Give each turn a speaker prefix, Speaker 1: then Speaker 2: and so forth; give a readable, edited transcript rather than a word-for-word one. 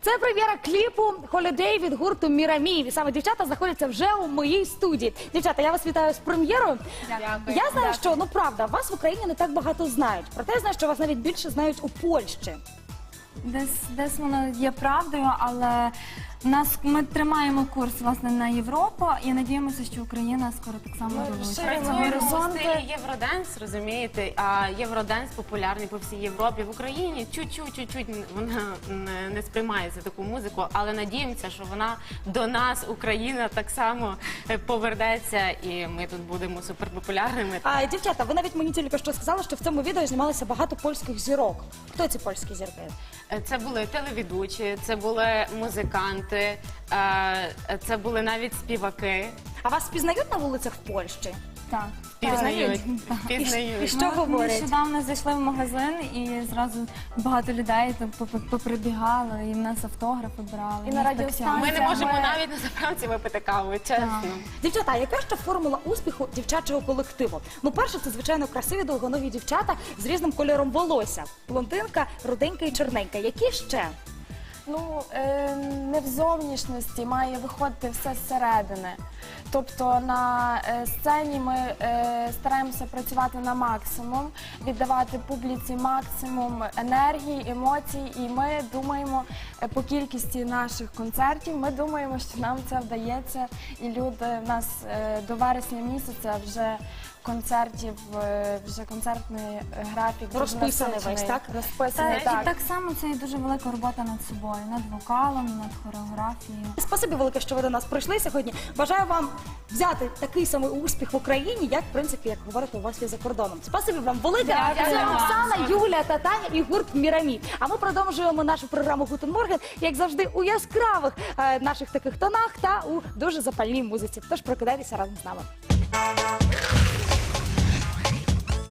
Speaker 1: Це прем'єра кліпу «Holiday» від гурту «Мірамів». І саме дівчата знаходяться вже у моїй студії. Дівчата, я вас вітаю з прем'єрою.
Speaker 2: Дякую.
Speaker 1: Я знаю, що, ну правда, вас в Україні не так багато знають. Проте я знаю, що вас навіть більше знають у Польщі.
Speaker 2: Десь воно є правдою, але ми тримаємо курс власне на Європу і надіємося, що Україна скоро так само
Speaker 3: Працюємо у стилі Євроденс, розумієте, а Євроденс популярний по всій Європі. В Україні чуть-чуть вона не сприймається таку музику, але надіємося, що вона до нас, Україна, так само повернеться і ми тут будемо суперпопулярними.
Speaker 1: А, дівчата, ви навіть мені тільки що сказали, що в цьому відео знімалося багато польських зірок. Хто ці польські зірки?
Speaker 3: Це були телеведучі, це були музиканти, це були навіть співаки.
Speaker 1: А вас впізнають на вулицях в Польщі?
Speaker 2: Так.
Speaker 3: Пізнають.
Speaker 1: І що говорять?
Speaker 2: Нещодавно зайшли в магазин і зразу багато людей там поприбігали, і в нас автографи брали.
Speaker 4: І на радіостанції.
Speaker 3: Ми не можемо навіть на заправці випити каву, чесно.
Speaker 1: Дівчата, а яка ще формула успіху дівчачого колективу? Ну, перше, це, звичайно, красиві довгоногі дівчата з різним кольором волосся. Блондинка, руденька і чорненька. Які ще?
Speaker 4: Ну, не в зовнішності, має виходити все зсередини. Тобто на сцені ми стараємося працювати на максимум, віддавати публіці максимум енергії, емоцій. І ми думаємо, по кількості наших концертів, ми думаємо, що нам це вдається. І люди в нас до вересня місяця вже концертів, вже концертний графік
Speaker 1: Розписаний весь, так?
Speaker 4: Розписаний,
Speaker 2: І
Speaker 4: так.
Speaker 2: так само це і дуже велика робота над собою, над вокалом, над хореографією.
Speaker 1: Спасибі велике, що ви до нас прийшли сьогодні. Бажаю вам взяти такий самий успіх в Україні, як, в принципі, як говорите, у вас є за кордоном. Спасибі вам велике. Це
Speaker 3: Дякую.
Speaker 1: Оксана, Юлія та Таня і гурт «Мірамі». А ми продовжуємо нашу програму «Гутен Морген», як завжди, у яскравих наших таких тонах та у дуже запальній музиці. Тож прокидайтеся разом з нами.